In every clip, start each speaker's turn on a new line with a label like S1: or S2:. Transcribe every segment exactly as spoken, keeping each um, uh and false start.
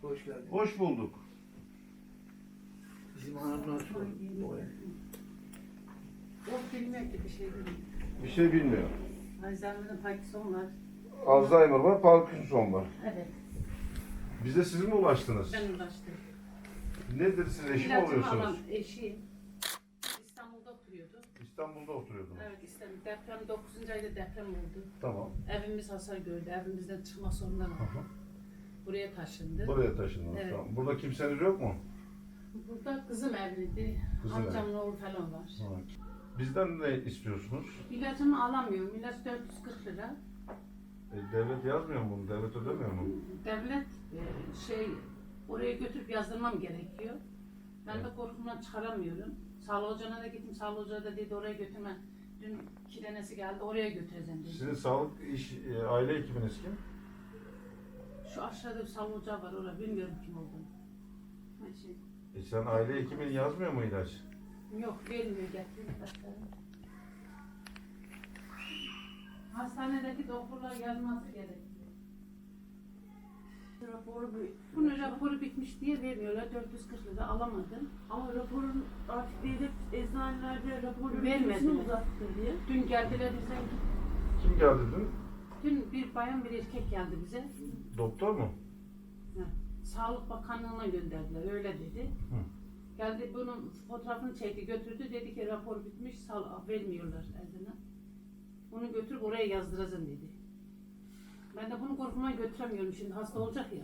S1: Hoş geldin.
S2: Hoş bulduk.
S1: Bizim hanımlar sor.
S3: O bilmiyor ki bir şey bilmiyor.
S2: Bir şey bilmiyor.
S3: Alzheimer'ın Parkinson var.
S2: Alzheimer var, Parkinson var.
S3: Evet.
S2: Bize siz mi ulaştınız?
S3: Ben ulaştım.
S2: Nedir siz eşi mi
S3: İlacımı
S2: oluyorsunuz?
S3: alan eşiyim. İstanbul'da oturuyordu.
S2: İstanbul'da oturuyordunuz.
S3: Evet İstanbul. Deprem dokuzuncu ayda deprem oldu.
S2: Tamam.
S3: Evimiz hasar gördü. Evimizden çıkma sorunları
S2: Hı
S3: oldu.
S2: hı.
S3: Buraya taşındı.
S2: Buraya taşındınız.
S3: Evet.
S2: Tamam. Burada kimseniz yok mu?
S3: Burada kızım evliydi.
S2: Kızın
S3: Amcamın oğlu falan var.
S2: Evet. Bizden ne istiyorsunuz?
S3: İlacımı alamıyorum. İlaç dört yüz kırk lira.
S2: E, devlet yazmıyor mu bunu? Devlet ödemiyor mu?
S3: Devlet e, şey oraya götürüp yazdırmam gerekiyor. Ben de korkumdan çıkaramıyorum. Sağlık ocağına da gittim. Sağlık ocağı da dedi oraya götürme. Dün kidenesi geldi oraya götüreceğim dedi.
S2: Sizin sağlık iş, e, aile hekiminiz kim?
S3: Şu aşağıda bir sağlık ocağı var orada bilmiyorum kim olduğunu. Ha, şey,
S2: E, sen aile hekimin yazmıyor mu ilaç?
S3: yok vermiyor getirdim ilaçları. Hastanedeki doktorlar yazması gerekiyor.
S4: Raporu bir,
S3: Bunun raporu bitmiş diye vermiyorlar. dört yüz kırk lira alamadım.
S4: ama raporun artık devlet eczanelerde raporun
S3: Vermediler.
S4: süresini uzattı diye.
S3: Dün geldiler bize.
S2: Kim geldi dün?
S3: Dün bir bayan bir erkek geldi bize.
S2: Doktor mu?
S3: Sağlık Bakanlığı'na gönderdiler, öyle dedi.
S2: Hı.
S3: Geldi bunun fotoğrafını çekti, götürdü, dedi ki rapor bitmiş, sağ, vermiyorlar eline. Bunu götürüp oraya yazdıracağım dedi. Ben de bunu korkumdan götüremiyorum, şimdi hasta olacak ya.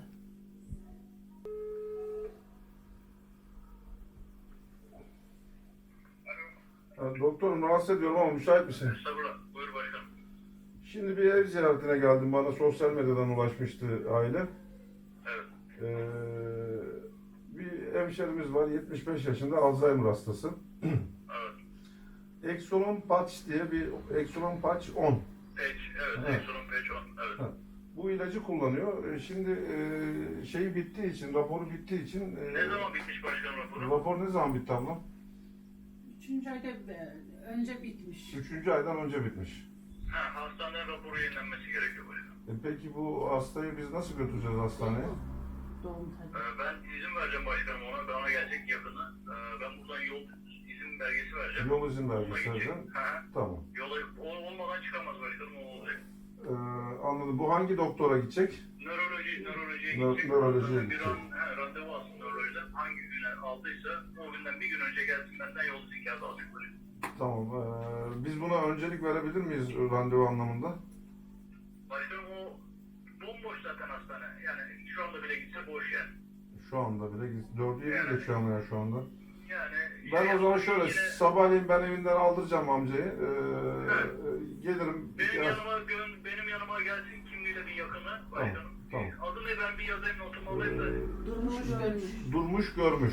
S2: Ha, doktorum rahatsız ediyorum ama müsait misin?
S5: Estağfurullah. Buyur başkanım.
S2: Şimdi bir ev ziyaretine geldim. Bana sosyal medyadan ulaşmıştı aile.
S5: Evet.
S2: Ee, bir hemşerimiz var, yetmiş beş yaşında, Alzheimer hastası.
S5: Evet.
S2: Exolon Patch diye bir Exolon Patch on.
S5: Page. Evet.
S2: Evet.
S5: Exolon Page on. Evet.
S2: Ha. Bu ilacı kullanıyor. Ee, Şimdi e, şeyi bittiği için, raporu bittiği için... e,
S5: Ne zaman bitmiş başkanım raporu?
S2: Rapor ne zaman bitti ablam?
S3: Üçüncü ayda e, önce bitmiş.
S2: Üçüncü aydan önce bitmiş.
S5: Ha, hastaneden raporu yenilenmesi gerekiyor başkanım.
S2: E, peki bu hastayı biz nasıl götüreceğiz hastaneye?
S3: Doğum tabii.
S5: Ee, ben izin vereceğim başkanım ona. Bana gelecek yakını. Ee, ben buradan yol izin belgesi vereceğim.
S2: Yol izin
S5: Onunla
S2: belgesi
S5: gidecek.
S2: vereceğim.
S5: Ha,
S2: Tamam.
S5: yola o olmadan çıkamaz başkanım, o olacak.
S2: Ee, anladım. Bu hangi doktora gidecek?
S5: Nöroloji, nörolojiye
S2: Nö-
S5: gidecek.
S2: nörolojiye
S5: Bir
S2: gidecek.
S5: an, he, randevu alsın nörolojiden. Hangi güne aldıysa o günden bir gün önce gelsin, benden yol izin kağıdı alacak başkanım.
S2: Tamam. Ee, biz buna öncelik verebilir miyiz randevu anlamında?
S5: Başkanım o bomboş zaten hastane. Yani şu anda bile gitse boş yani.
S2: Şu anda bile dördü yeni geçiyor ama ya şu anda.
S5: Yani
S2: Ben o zaman şöyle
S5: yine
S2: sabahleyin ben evinden aldıracağım amcayı. Ee, gelirim.
S5: benim
S2: Ya-
S5: yanıma gö- benim yanıma gelsin kimliğiyle bir yakını başkanım.
S2: tamam.
S5: Adı ne, ben bir yazayım, notumu alayım da
S2: Ee,
S3: Durmuş görmüş.
S2: durmuş görmüş.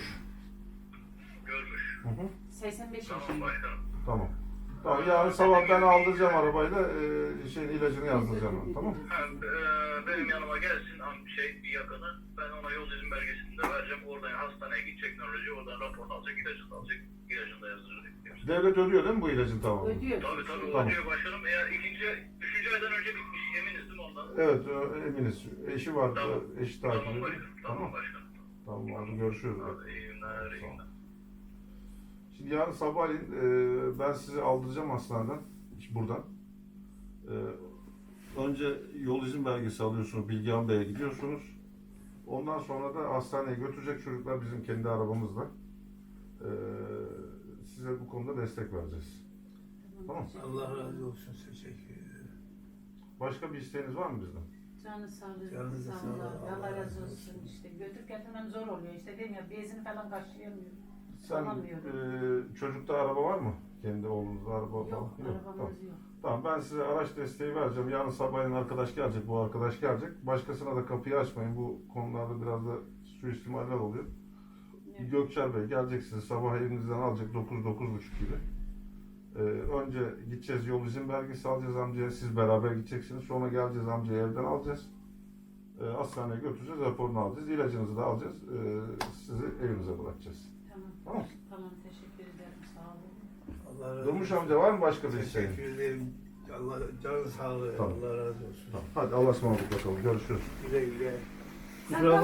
S5: görmüş.
S2: Hı hı.
S3: seksen beş
S5: Tamam
S3: yaşında.
S5: başkanım.
S2: Tamam. Tamam, yarın sabah ben aldıracağım arabayla, e, şeyin ilacını yazdıracağım ben, tamam.
S5: Ha, e, benim yanıma gelsin am- şey bir yakını. Ben ona yol izin belgesini de vereceğim. Oradan hastaneye gidecek nöroloji. Oradan raporunu alacak, ilacını da alacak. İlacını da yazdıracak.
S2: Devlet ödüyor değil mi bu ilacın tamamını?
S3: Ödüyor.
S5: Tabii tabii
S2: Tamam.
S5: o diyor başkanım. Eğer ikinci, üçüncü aydan önce bitmiş. Eminiz değil mi ondan?
S2: Evet, e, eminiz. Eşi var,
S5: Tamam.
S2: e, eşi takip
S5: Tamam
S2: ediyor.
S5: başkanım. Tamam başkanım.
S2: Tamam, hadi görüşürüz.
S5: Hadi iyi günler, iyi günler.
S2: Şimdi yarın sabahleyin e, ben sizi aldıracağım hastaneden, buradan. E, önce yol izin belgesi alıyorsunuz, Bilgehan Bey'e gidiyorsunuz. Ondan sonra da hastaneye götürecek çocuklar bizim kendi arabamızla. E, size bu konuda destek vereceğiz. Tamam.
S1: Allah razı olsun. Teşekkür ederim.
S2: Başka bir isteğiniz var mı bizden?
S3: Canı sağlığı,
S1: Canınıza
S3: sağ
S1: sağlık.
S3: olun. Allah razı olsun. İşte götürüp getirmem zor oluyor. İşte dedim ya bezini falan karşılayamıyorum.
S2: Sen
S3: Alamıyorum.
S2: e, çocukta araba var mı? Kendi oğlunuzda araba falan?
S3: Yok,
S2: Tamam.
S3: arabamız yok.
S2: Tamam, ben size araç desteği vereceğim. Yarın sabahleyin arkadaş gelecek, bu arkadaş gelecek. Başkasına da kapıyı açmayın. Bu konularda biraz da suistimaller oluyor.
S3: Evet.
S2: Gökçer Bey gelecek, sizi sabah evinizden alacak dokuz dokuz buçuk gibi. Ee, önce gideceğiz, yol izin belgesi alacağız amcaya, siz beraber gideceksiniz. Sonra geleceğiz, amcayı evden alacağız. Ee, hastaneye götüreceğiz, raporunu alacağız, ilacınızı da alacağız. Ee, sizi evinize bırakacağız.
S3: Tamam.
S2: Tamam.
S3: Tamam, teşekkür ederim. Sağ olun.
S1: Allah razı
S2: Durmuş
S1: olsun.
S2: amca, var mı başka bir isteğin?
S1: Teşekkür ederim. Allah canın sağlığı.
S2: Tamam.
S1: Allah razı olsun.
S2: Hadi Allah'a ısmarladık bakalım, görüşürüz.
S1: Güle güle.
S3: Sen
S1: Kusura